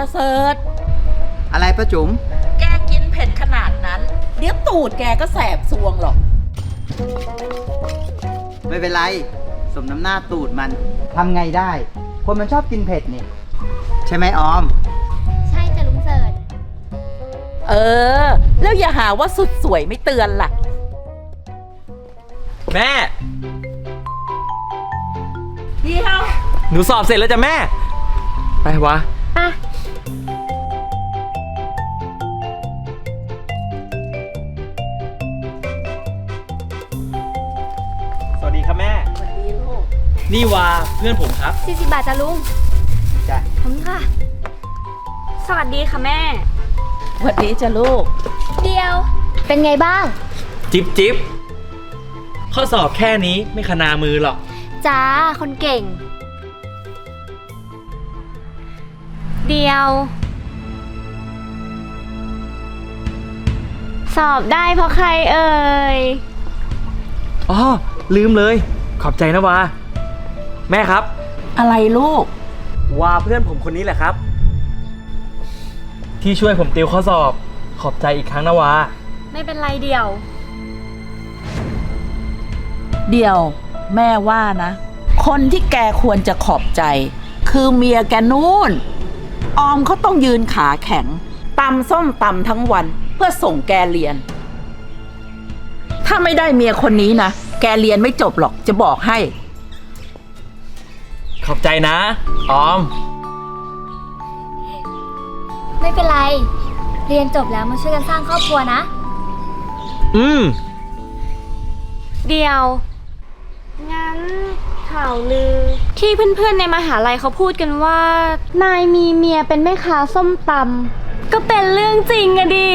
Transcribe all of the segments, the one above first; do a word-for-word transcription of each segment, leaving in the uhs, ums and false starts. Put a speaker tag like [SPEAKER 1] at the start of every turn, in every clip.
[SPEAKER 1] ประเสริฐ
[SPEAKER 2] อะไรป้าจุ๋ม
[SPEAKER 1] แกกินเผ็ดขนาดนั้นเดี๋ยวตูดแกก็แสบซวงหรอก
[SPEAKER 2] ไม่เป็นไรสมน้ำหน้าตูดมันทำไงได้คนมันชอบกินเผ็ดนี่ใช่ไหมออม
[SPEAKER 3] ใช่จ้ะลุงเสิร์ช
[SPEAKER 1] เออแล้วอย่าหาว่าสุดสวยไม่เตือนล่ะ
[SPEAKER 4] แม่
[SPEAKER 1] เดี๋ยว
[SPEAKER 4] หนูสอบเสร็จแล้วจ้ะแม่ไปวะ
[SPEAKER 3] อ่ะ
[SPEAKER 4] สวัสดีครับแม่
[SPEAKER 1] สวัสดีลูก
[SPEAKER 4] นี่วาเพื่อนผมครับ
[SPEAKER 3] สี่สิบบาทจ้ะลุง
[SPEAKER 2] จ้ะ
[SPEAKER 3] ขอบคุณค่ะสวัสดีค่ะแม่
[SPEAKER 1] สวัสดีจ้ะลูก
[SPEAKER 3] เดียวเป็นไงบ้าง
[SPEAKER 4] จิ๊บจิ๊บข้อสอบแค่นี้ไม่ขนามือหรอก
[SPEAKER 3] จ้าคนเก่งเดียวสอบได้เพราะใครเอ่ย
[SPEAKER 4] อ๋อลืมเลยขอบใจนะวาแม่ครับ
[SPEAKER 1] อะไรลูก
[SPEAKER 4] วาเพื่อนผมคนนี้แหละครับที่ช่วยผมติวข้อสอบขอบใจอีกครั้งนะวา
[SPEAKER 3] ไม่เป็นไรเดียว
[SPEAKER 1] เดี๋ยวแม่ว่านะคนที่แกควรจะขอบใจคือเมียแกนู่นออมเขาต้องยืนขาแข็งตำส้มตำทั้งวันเพื่อส่งแกเรียนถ้าไม่ได้เมียคนนี้นะแกเรียนไม่จบหรอกจะบอกให้
[SPEAKER 4] ขอบใจนะออม
[SPEAKER 3] ไม่เป็นไรเรียนจบแล้วมาช่วยกันสร้างครอบครัวนะ
[SPEAKER 4] อืม
[SPEAKER 3] เดียวงั้นข่าวลือที่เพื่อนๆในมหาลัยเขาพูดกันว่านายมีเมียเป็นแม่ค้าส้มตำก็เป็นเรื่องจริงอะดิ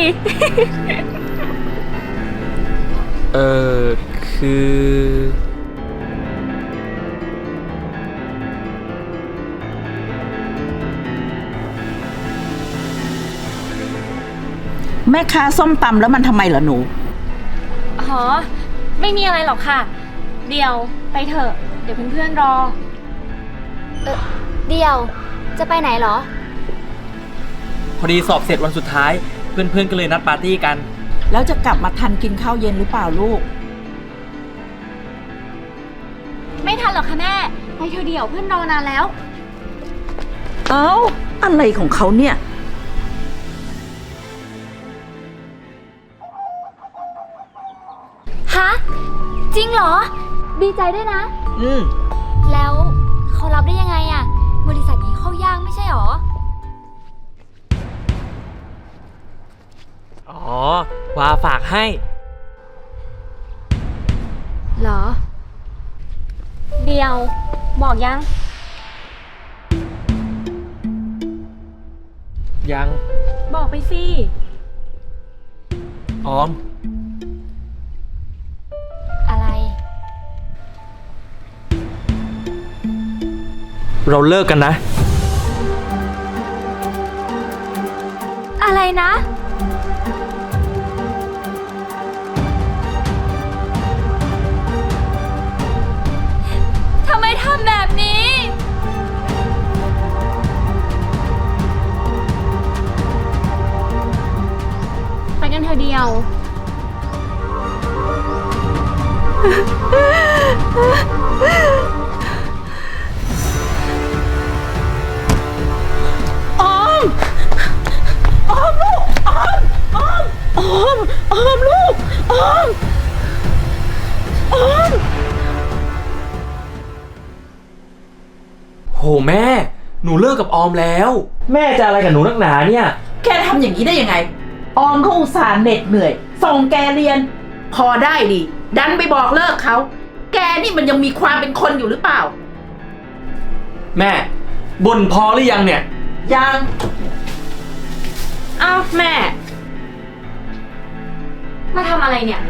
[SPEAKER 4] เออคือ
[SPEAKER 1] แม่ค้าส้มตำแล้วมันทำไมเหรอหนู
[SPEAKER 3] อ๋อไม่มีอะไรหรอกค่ะเดี๋ยวไปเถอะเดี๋ยวเพื่อนๆรอเออเดี๋ยวจะไปไหนเหรอ
[SPEAKER 4] พอดีสอบเสร็จวันสุดท้ายเพื่อนๆก็เลยนัดปาร์ตี้กัน
[SPEAKER 1] แล้วจะกลับมาทันกินข้าวเย็นหรือเปล่าลูก
[SPEAKER 3] ไม่ทันหรอกค่ะแม่ไปเถอะเดี๋ยวเพื่อนรอนานแล้ว
[SPEAKER 1] เอ้าอะไรของเขาเนี่ย
[SPEAKER 3] ฮะจริงเหรอดีใจด้วยนะ
[SPEAKER 4] อืม
[SPEAKER 3] แล้วเขารับได้ยังไงอะบริษัทนี้เข้ายากไม่ใช่หรอ
[SPEAKER 4] อ๋อวาฝากให้
[SPEAKER 3] เหรอเดียวบอกยัง
[SPEAKER 4] ยัง
[SPEAKER 3] บอกไปสิ
[SPEAKER 4] ออม
[SPEAKER 3] อะไร
[SPEAKER 4] เราเลิกกันนะ
[SPEAKER 3] อะไรนะทำไมทำแบบนี้ไปกันเธอเดียว
[SPEAKER 1] ออมออมลูกออมออมออมออมลูกออมออม
[SPEAKER 4] โหแม่หนูเลิกกับออมแล้วแม่จะอะไรกับหนูนักหนาเนี่ย
[SPEAKER 1] แกทำอย่างนี้ได้ยังไงออมเขาอุตส่าห์เหน็ดเหนื่อยส่งแกเรียนพอได้ดิดันไปบอกเลิกเขาแกนี่มันยังมีความเป็นคนอยู่หรือเปล่า
[SPEAKER 4] แม่บ่นพอหรือยังเนี่ย
[SPEAKER 1] ยัง
[SPEAKER 3] อ้าวแม่มาทำอะไรเนี่ย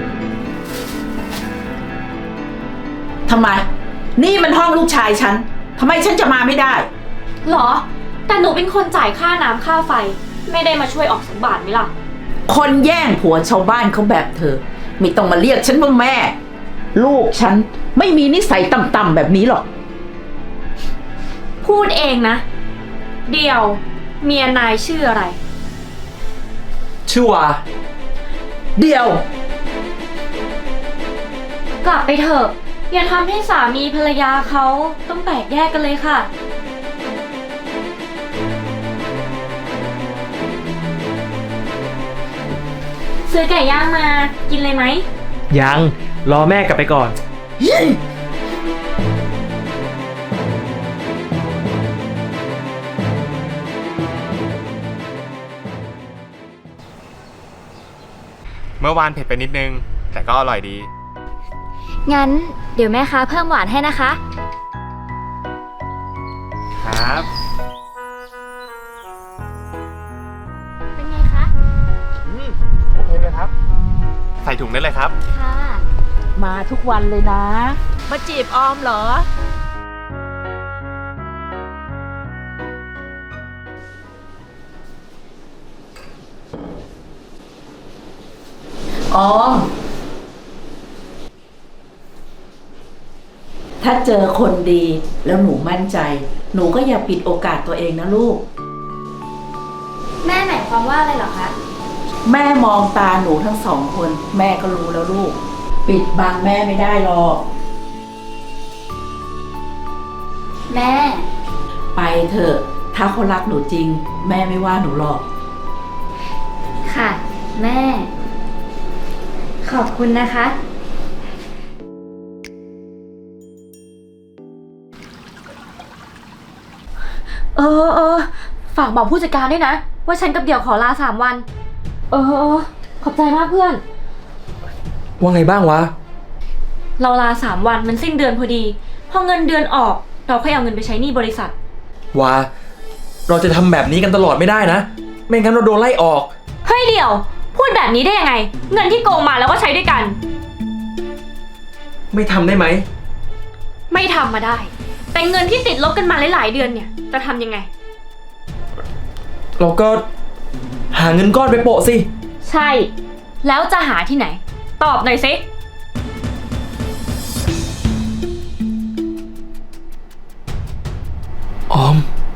[SPEAKER 1] ทำไมนี่มันห้องลูกชายฉันทำไมฉันจะมาไม่ได้
[SPEAKER 3] หรอแต่หนูเป็นคนจ่ายค่าน้ำค่าไฟไม่ได้มาช่วยออกสักบาทไหมล่ะ
[SPEAKER 1] คนแย่งผัวชาวบ้านเขาแบบเธอไม่ต้องมาเรียกฉันว่าแม่ลูกฉันไม่มีนิสัยต่ำๆแบบนี้หรอก
[SPEAKER 3] พูดเองนะเดียวเมียนายชื่ออะไร
[SPEAKER 4] ชื่อวา
[SPEAKER 1] เดียว
[SPEAKER 3] กลับไปเถอะ อย่าทำให้สามีภรรยาเขาต้องแตกแยกกันเลยค่ะ ซื้อไก่ย่างมากินเลยไหม
[SPEAKER 4] ยัง รอแม่กลับไปก่อน
[SPEAKER 5] เมื่อวานเผ็ดไปนิดนึง แต่ก็อร่อยดี
[SPEAKER 3] งั้นเดี๋ยวแม่ค้าเพิ่มหวานให้นะคะ
[SPEAKER 5] ครับ
[SPEAKER 3] เป็นไงคะ
[SPEAKER 5] อืมโอเคเลยครับ ใส่ถุงได้เลยครับ
[SPEAKER 3] ค่ะ
[SPEAKER 1] มาทุกวันเลยนะ มาจีบออมเหรอ ออม ถ้าเจอคนดีแล้วหนูมั่นใจ หนูก็อย่าปิดโอกาสตัวเองนะลูก
[SPEAKER 3] แม่หมายความว่าอะไรเหรอคะ
[SPEAKER 1] แม่มองตาหนูทั้งสองคน แม่ก็รู้แล้วลูก ปิดบังแม่ไม่ได้หรอก
[SPEAKER 3] แม่
[SPEAKER 1] ไปเถอะ ถ้าเขารักหนูจริง แม่ไม่ว่าหนูหรอก
[SPEAKER 3] ค่ะ แม่ ขอบคุณนะคะ เออเออฝากบอกผู้จัดการด้วยนะ ว่าฉันกับเดี่ยวขอลาสามวัน เออเออขอบใจมากเพื่อน
[SPEAKER 4] ว่าไงบ้างวะ
[SPEAKER 3] เราลาสามวันมันสิ้นเดือนพอดี พอเงินเดือนออก เราค่อยเอาเงินไปใช้หนี้บริษัท
[SPEAKER 4] วา เราจะทำแบบนี้กันตลอดไม่ได้นะ ไม่งั้นเราโดนไล่ออก
[SPEAKER 3] เฮ้ยเดี่ยว พูดแบบนี้ได้ยังไง เงินที่โกงมาแล้วก็ใช้ด้วยกัน
[SPEAKER 4] ไม่ทำได้ไหม
[SPEAKER 3] ไม่ทำมาได้ แต่เงินที่ติดลบกันมาหลายๆเดือนเนี่ย จะทำยังไง
[SPEAKER 4] เราก็หาเงินก้อนไปโปะสิ
[SPEAKER 3] ใช่ แล้วจะหาที่ไหน ตอบหน่อยสิ
[SPEAKER 4] ออม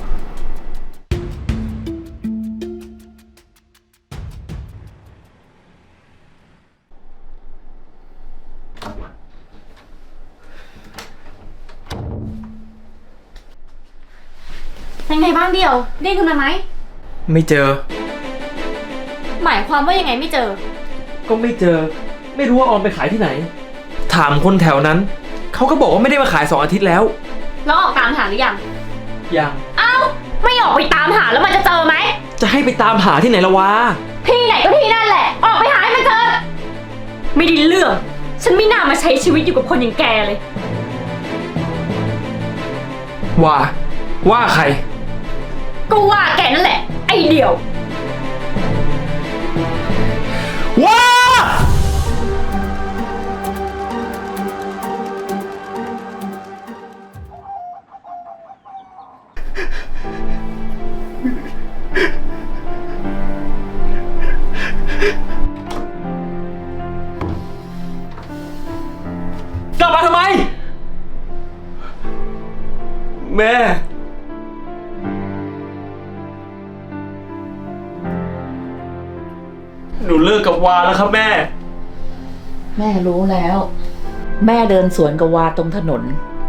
[SPEAKER 3] เป็นไงบ้างเดียว ได้ขึ้นมาไหม
[SPEAKER 4] ไม่เจอ
[SPEAKER 3] หมายความว่ายังไงไม่เจอ
[SPEAKER 4] ก็ไม่เจอ ไม่รู้ว่าออมไปขายที่ไหน ถามคนแถวนั้น เขาก็บอกว่าไม่ได้มาขายสองอาทิตย์แล้ว
[SPEAKER 3] แล้วออกตามหาหรือยัง
[SPEAKER 4] ยัง
[SPEAKER 3] เอ้า ไม่ออกไปตามหาแล้วมันจะเจอไหม
[SPEAKER 4] จะให้ไปตามหาที่ไหนละวะ
[SPEAKER 3] ที่ไหนก็ที่นั่นแหละ ออกไปหาให้มันเจอ ไม่ได้เรื่อง ฉันไม่น่ามาใช้ชีวิตอยู่กับคนอย่างแกเลย
[SPEAKER 4] ว่า ว่าใคร
[SPEAKER 3] ก็ว่าแกนั่นแหละ ไอเดียว
[SPEAKER 4] ว้า กลับมาทำไม แม่ หนูเลิกกับวาแล้วครับแม่
[SPEAKER 1] แม่รู้แล้ว แม่เดินสวนกับวาตรงถนน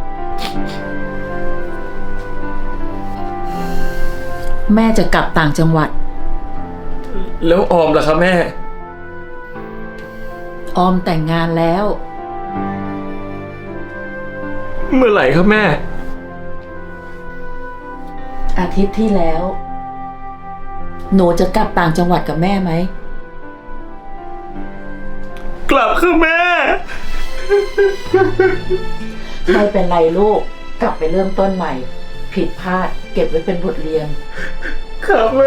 [SPEAKER 1] แม่จะกลับต่างจังหวัด
[SPEAKER 4] แล้วออมล่ะครับแม่
[SPEAKER 1] ออมแต่งงานแล้ว
[SPEAKER 4] เมื่อไหร่ครับแม่
[SPEAKER 1] อาทิตย์ที่แล้ว หนูจะกลับต่างจังหวัดกับแม่ไหม
[SPEAKER 4] กลับครับแม่
[SPEAKER 1] ไม่เป็นไรลูก กลับไปเริ่มต้นใหม่ ผิดพลาดเก็บไว้เป็นบทเรียน
[SPEAKER 4] ครับแม่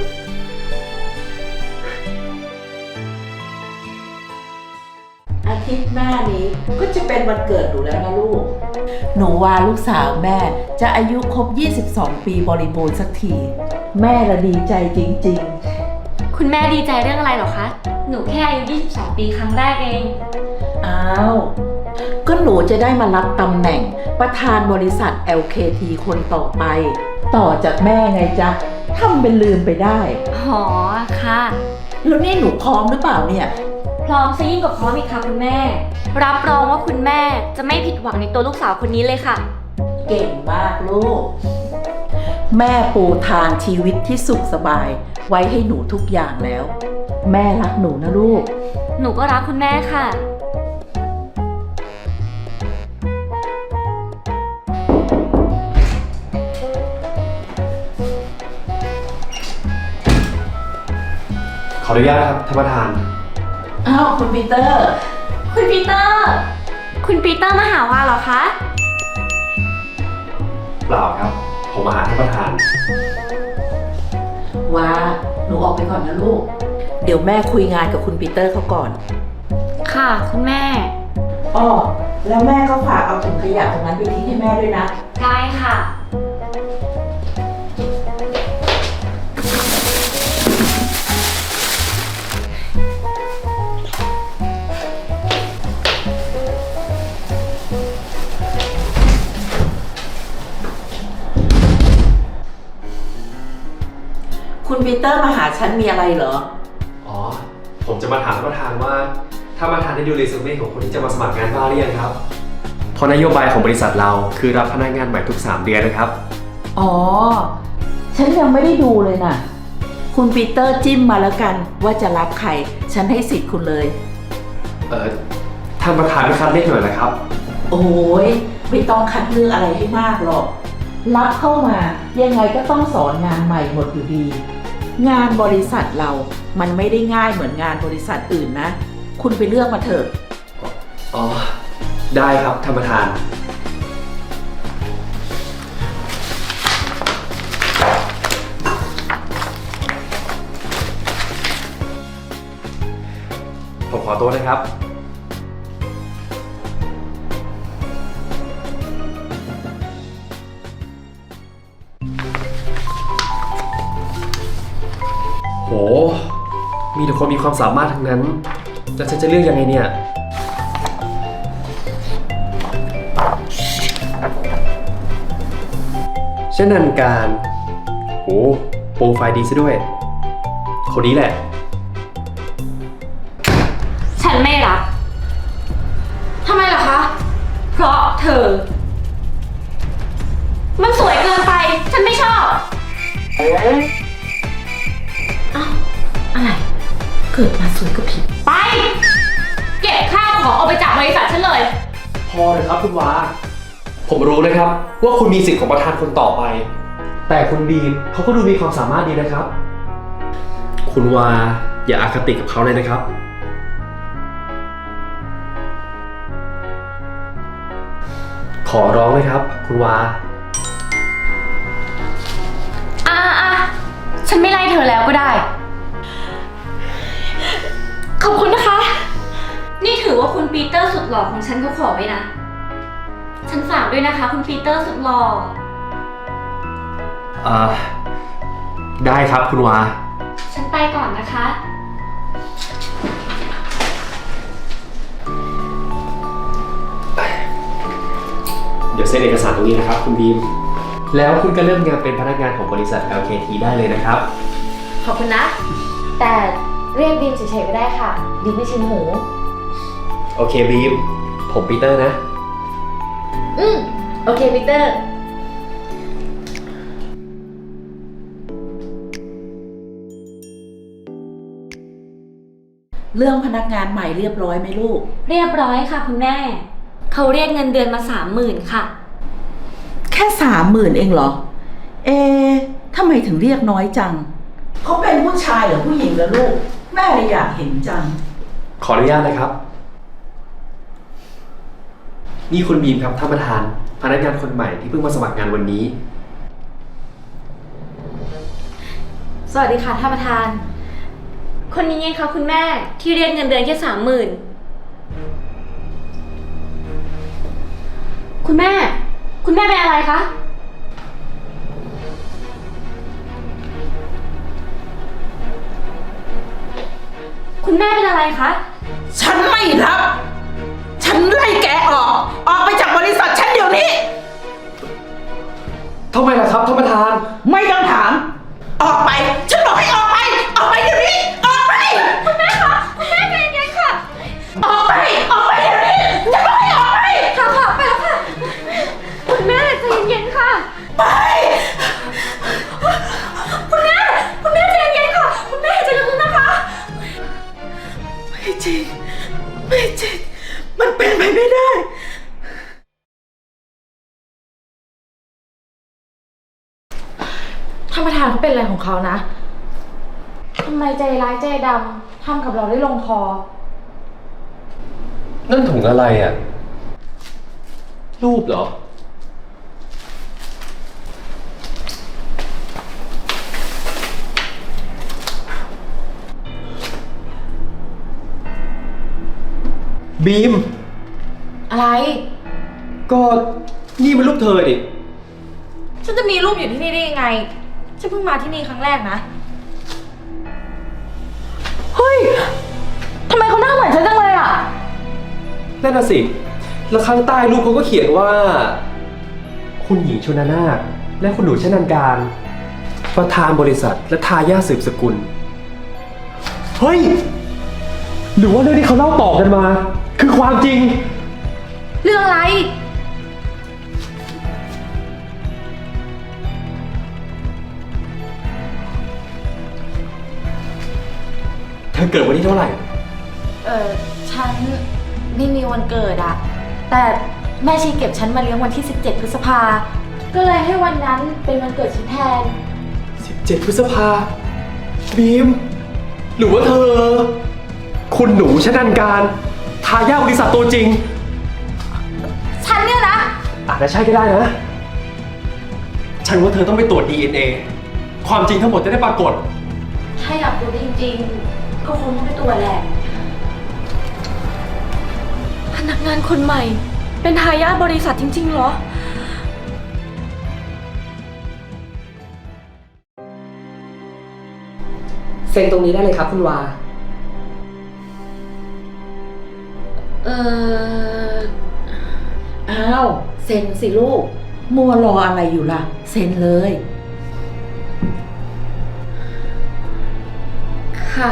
[SPEAKER 1] อาทิตย์หน้านี้ก็จะเป็นวันเกิดหนูแล้วนะลูก หนูว่าลูกสาวแม่จะอายุครบ ยี่สิบสอง ปีบริบูรณ์สักที แม่ละดีใจจริง
[SPEAKER 3] คุณแม่ดีใจเรื่องอะไรเหรอคะ หนูแค่อายุยี่สิบสองปีครั้งแรกเอง
[SPEAKER 1] ๆ อ้าว ก็หนูจะได้มารับตำแหน่งประธานบริษัท แอล เค ที คนต่อไป ต่อจากแม่ไงจ๊ะทำเป็นลืมไปได้
[SPEAKER 3] อ๋อ ค่ะ
[SPEAKER 1] แล้วนี่หนูพร้อมหรือเปล่าเนี่ย
[SPEAKER 3] พร้อมซะยิ่งกว่าพร้อมอีกค่ะคุณแม่ รับรองว่าคุณแม่จะไม่ผิดหวังในตัวลูกสาวคนนี้เลยค่ะ
[SPEAKER 1] เก่งมากลูก แม่ปูทางชีวิตที่สุขสบาย ไว้ให้หนูทุกอย่างแล้ว แม่รักหนูนะลูก
[SPEAKER 3] หนูก็รักคุณแม่ค่ะ
[SPEAKER 6] ขออนุญาตครับท่านประธาน
[SPEAKER 1] อ้าวคุณปีเตอร์
[SPEAKER 3] คุณปีเตอร์ คุณปีเตอร์มาหาว่าเหรอคะ
[SPEAKER 6] เปล่าครับ ผมมาหาท่านประธาน
[SPEAKER 1] ว่าหนูออกไปก่อนนะลูก เดี๋ยวแม่คุยงานกับคุณปีเตอร์เขาก่อน
[SPEAKER 3] ค่ะ คุณแม่
[SPEAKER 1] อ้อแล้วแม่ก็ฝากเอาถุงขยะตรงนั้นไปทิ้งให้แม่ด้วยนะ
[SPEAKER 3] ได้ค่ะ
[SPEAKER 1] คุณปีเตอร์มาหาฉันมีอะไรเหรอ
[SPEAKER 6] อ๋อ ผมจะมาถามท่านประธานว่าท่านประธานได้ดูเรซูเม่ของคนที่จะมาสมัครงานบ้างหรือยังครับเพราะนโยบายของบริษัทเราคือรับพนักงานใหม่ทุกสามเดือนนะครับ
[SPEAKER 1] อ๋อ ฉันยังไม่ได้ดูเลยน่ะ คุณปีเตอร์จิ้มมาแล้วกันว่าจะรับใคร ฉันให้สิทธิ์คุณเลย
[SPEAKER 6] เอ่อ ท่านประธานไม่คัดเลือกหน่อยนะครับ
[SPEAKER 1] โอ้ยไม่ต้องคัดเลือกอะไรให้มากหรอก รับเข้ามายังไงก็ต้องสอนงานใหม่หมดอยู่ดี งานบริษัทเรามันไม่ได้ง่ายเหมือนงานบริษัทอื่นนะ คุณไปเลือกมาเถอะ
[SPEAKER 6] อ๋อ ได้ครับท่านประธาน ผมขอตัวนะครับ โห มีแต่คนมีความสามารถทั้งนั้น แล้วฉันจะเลือกยังไงเนี่ย เช่นนันการโอ้โปรไฟล์ดีซะด้วย คนนี้แหละ
[SPEAKER 3] ฉันไม่รับ ทำไมล่ะคะ เพราะเธอ มันสวยเกินไป ฉันไม่ชอบ
[SPEAKER 1] อ้าว อะไร เกิดมาสวยก็ผิด
[SPEAKER 3] ไป เก็บข้าวของออกไปจากบริษัทฉันเลย
[SPEAKER 6] พอเลยครับคุณวา ผมรู้นะครับว่าคุณมีสิทธิ์ของประธานคนต่อไป แต่คุณบีมเขาก็ดูมีความสามารถดีนะครับ คุณวาอย่าอาคติกับเขาเลยนะครับ ขอร้องเลยครับ คุณวา
[SPEAKER 3] อ่าอ่ะฉันไม่ไล่เธอแล้วก็ได้ ขอบคุณนะคะ นี่ถือว่าคุณปีเตอร์สุดหล่อของฉันเขาขอไว้นะ ฉันฝากด้วยนะคะ คุณปีเตอร์สุดหล่อ
[SPEAKER 6] เอ่อ ได้ครับคุณวา
[SPEAKER 3] ฉันไปก่อนนะคะ
[SPEAKER 6] เดี๋ยวเซ็นเอกสารตรงนี้นะครับคุณบีม แล้วคุณก็เริ่มงานเป็นพนักงานของบริษัท แอล เค ที ได้เลยนะครับ
[SPEAKER 3] ขอบคุณนะ แต่เรียกบีมเฉยๆก็ได้ค่ะบีมไม่ชินหู
[SPEAKER 6] โอเคบีม ผมปีเตอร์นะ
[SPEAKER 3] อืมโอเคปีเตอร์
[SPEAKER 1] เรื่องพนักงานใหม่เรียบร้อยไหมลูก
[SPEAKER 3] เรียบร้อยค่ะคุณแม่ เขาเรียกเงินเดือนมาสามหมื่นค่ะ
[SPEAKER 1] แค่สามหมื่นเองเหรอ เอ๊ะทำไมถึงเรียกน้อยจัง เขาเป็นผู้ชายหรือผู้หญิงเหรอลูก แม่เลยอยากเห็นจัง
[SPEAKER 6] ขออนุญาตนะครับ นี่คุณบีมครับท่านประธาน พนักงานคนใหม่ที่เพิ่งมาสมัครงานวันนี้
[SPEAKER 3] สวัสดีค่ะท่านประธาน คนนี้ไงคะคุณแม่ที่เรียกเงินเดือนแค่สามหมื่นคุณแม่ คุณแม่เป็นอะไรคะ คุณแม่เป็นอะไรคะ
[SPEAKER 1] ฉันไม่รับ ฉันไล่แกออก ออกไปจากบริษัทฉันเดี๋ยวนี้
[SPEAKER 6] ทำไมล่ะครับท่านประธาน
[SPEAKER 1] ไม่ต้องถาม อได้
[SPEAKER 3] ท่านประธานเขาเป็นอะไรของเขานะ ทำไมใจร้ายใจดำทำกับเราได้ลงคอ
[SPEAKER 6] นั่นถุงอะไรอ่ะ รูปเหรอ บีม
[SPEAKER 3] อะไร
[SPEAKER 6] ก็นี่มันรูปเธอดิ
[SPEAKER 3] ฉันจะมีรูปอยู่ที่นี่ได้ยังไง ฉันเพิ่งมาที่นี่ครั้งแรกนะ เฮ้ย ทำไมเขาหน้าเหมือนฉันจังเลยอ่ะ
[SPEAKER 6] นั่นน่ะสิ แล้วข้างใต้รูปเขาก็เขียนว่า คุณหญิงชนนาถและคุณหนูชนันการ ประธานบริษัทและทายาทสืบสกุล เฮ้ย หรือว่าเรื่องที่เขาเล่าต่อกันมา คือความจริง
[SPEAKER 3] เรื่องอะไร
[SPEAKER 6] เธอเกิดวันที่เท่าไหร่
[SPEAKER 3] เออฉันไม่มีวันเกิดอะแต่แม่ชีเก็บฉันมาเลี้ยงวันที่สิบเจ็ดพฤษภา ก็เลยให้วันนั้นเป็นวันเกิดฉันแทน
[SPEAKER 6] สิบเจ็ด พฤษภา บีม หรือว่าเธอ คุณหนูชนันการ ทายาทบริษัทตัวจริง
[SPEAKER 3] ฉันเนี่ยนะ
[SPEAKER 6] อาจจะใช่ก็ได้นะ ฉันว่าเธอต้องไปตรวจ ดี เอ็น เอ ความจริงทั้งหมดจะได้ปรากฏ
[SPEAKER 3] ถ้าอยากรู้จริงๆ ก็คงต้องไปตรวจแหละ พนักงานคนใหม่ เป็นทายาทบริษัทจริงๆเหรอ
[SPEAKER 7] เซ็นตรงนี้ได้เลยครับคุณวา
[SPEAKER 3] เออ
[SPEAKER 1] อ้าว เซ็นสิลูก มัวรออะไรอยู่ล่ะ เซ็นเลย
[SPEAKER 3] ค่ะ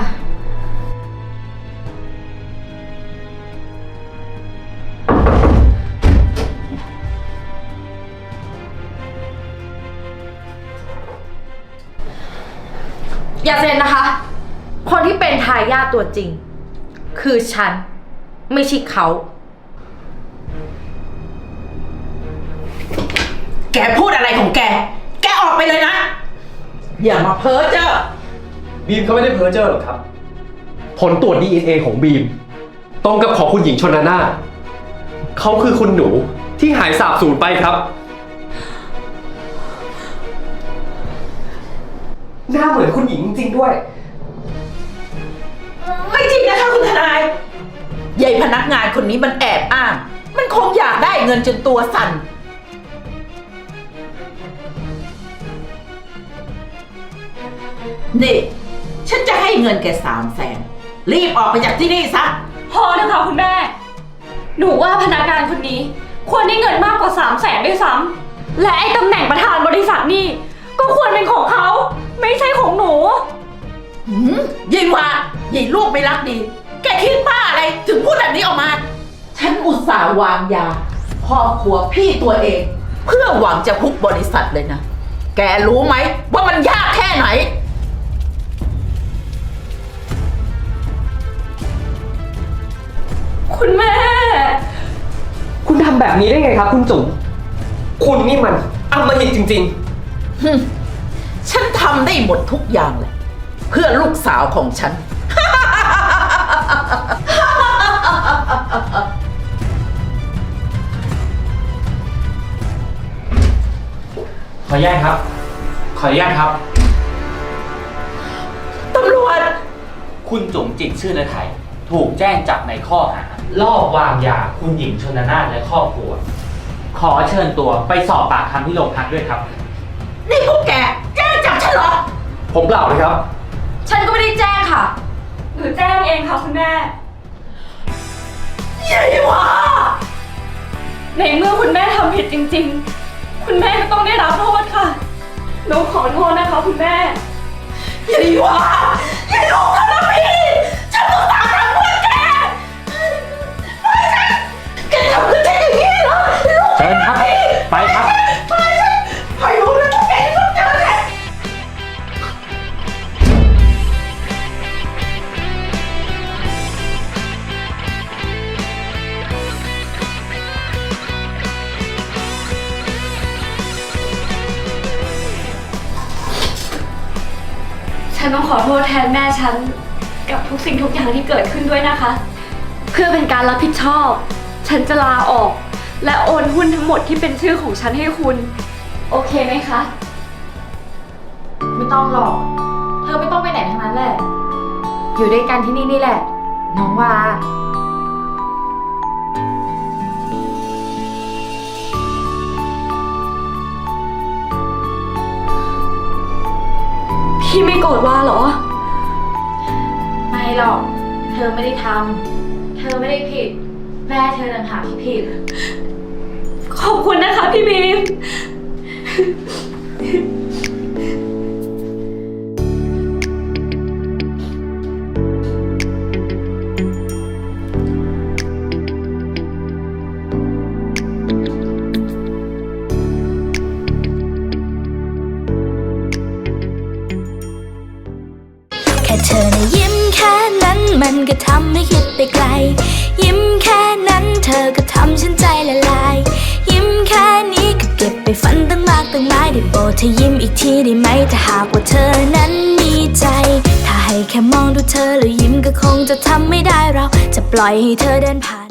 [SPEAKER 3] อย่าเซ็นนะคะ คนที่เป็นทายาทตัวจริง คือฉัน ไม่ใช่เขา
[SPEAKER 1] แกพูดอะไรของแก แกออกไปเลยนะ อย่ามาเพ้อเจ้อ
[SPEAKER 6] บีมเขาไม่ได้เพ้อเจ้อหรอกครับ ผลตรวจ ดี เอ็น เอ ของบีม ตรงกับของคุณหญิงชนนาถเขาคือคุณหนูที่หายสาบสูญไปครับ หน้าเหมือนคุณหญิงจริงๆด้วย
[SPEAKER 1] ไม่จริงนะคะคุณทนายยายพนักงานคนนี้มันแอบอ้าง มันคงอยากได้เงินจนตัวสั่น นี่ ฉันจะให้เงินแกสามแสน รีบออกไปจากที่นี่ซะ
[SPEAKER 3] พอเถอะค่ะคุณแม่ หนูว่าพนักงานคนนี้ ควรได้เงินมากกว่าสามแสนด้วยซ้ำ และไอ้ตำแหน่งประธานบริษัทนี่ ก็ควรเป็นของเขา ไม่ใช่ของหนู
[SPEAKER 1] หืมยายวายายลูกไม่รักดี แกคิดบ้าอะไรถึงพูดแบบนี้ออกมา ฉันอุตส่าห์วางยาครอบครัวพี่ตัวเอง เพื่อหวังจะพุบบริษัทเลยนะ แกรู้ไหมว่ามันยากแค่ไหน
[SPEAKER 3] คุณแม่
[SPEAKER 7] คุณทำแบบนี้ได้ไงครับคุณจุ๋ม คุณนี่มันอำมหิตจริง
[SPEAKER 1] หึฉันทำได้หมดทุกอย่างเลย เพื่อลูกสาวของฉัน
[SPEAKER 4] ขออนุญาตครับ ขออนุญาตครับ
[SPEAKER 1] ตำรวจ
[SPEAKER 8] คุณจุ๋มจิตชื่อและไทย ถูกแจ้งจับในข้อหาลอบวางยาคุณหญิงชนนาถและครอบครัว ขอเชิญตัวไปสอบปากคำที่โรงพักด้วยครับ
[SPEAKER 1] นี่พวกแกแจ้งจับฉันเหรอ
[SPEAKER 6] ผมเปล่าเลยครับ
[SPEAKER 3] ฉันก็ไม่ได้แจ้งค่ะ หรือแจ้งเองค่ะคุณแม่
[SPEAKER 1] ยายวา
[SPEAKER 3] ในเมื่อคุณแม่ทำผิดจริงๆ คุณแม่ก็ต้องได้รับโทษค่ะ หนูขอโทษนะคะคุณแม่
[SPEAKER 1] ยายวายายลูกทำแล้วพี่ฉันต้องตามทำเพื่อแกไม่ใช่แกทำกับฉันอย่างนี้เหรอลูก
[SPEAKER 8] เชิญครับ ไปครับ
[SPEAKER 1] ไปฉันไปรู้แล้วแกต้องเจอแก
[SPEAKER 3] คต้องขอโทษแทนแม่ฉันกับทุกสิ่งทุกอย่างที่เกิดขึ้นด้วยนะคะ เพื่อเป็นการรับผิดชอบ ฉันจะลาออก และโอนหุ้นทั้งหมดที่เป็นชื่อของฉันให้คุณ โอเคไหมคะ
[SPEAKER 9] ไม่ต้องหรอก เธอไม่ต้องไปไหนทั้งนั้นแหละ อยู่ด้วยกันที่นี่นี่แหละ น้องวา
[SPEAKER 3] พี่ไม่โกรธว่าเหรอ
[SPEAKER 9] ไม่หรอก เธอไม่ได้ทำ เธอไม่ได้ผิด แม่เธอต่างหากที่ผิด
[SPEAKER 3] ขอบคุณนะคะพี่บีม
[SPEAKER 10] แค่เธอนะยิ้มแค่นั้นมันก็ทำให้คิดไปไกล ยิ้มแค่นั้นเธอก็ทำฉันใจละลาย ยิ้มแค่นี้ก็เก็บไปฝันตั้งมากตั้งหลายได้โปรดเธอยิ้มอีกทีได้ไหมถ้าหากว่าเธอนั้นมีใจ ถ้าให้แค่มองดูเธอแล้วยิ้มก็คงจะทำไม่ได้เราจะปล่อยให้เธอเดินผ่าน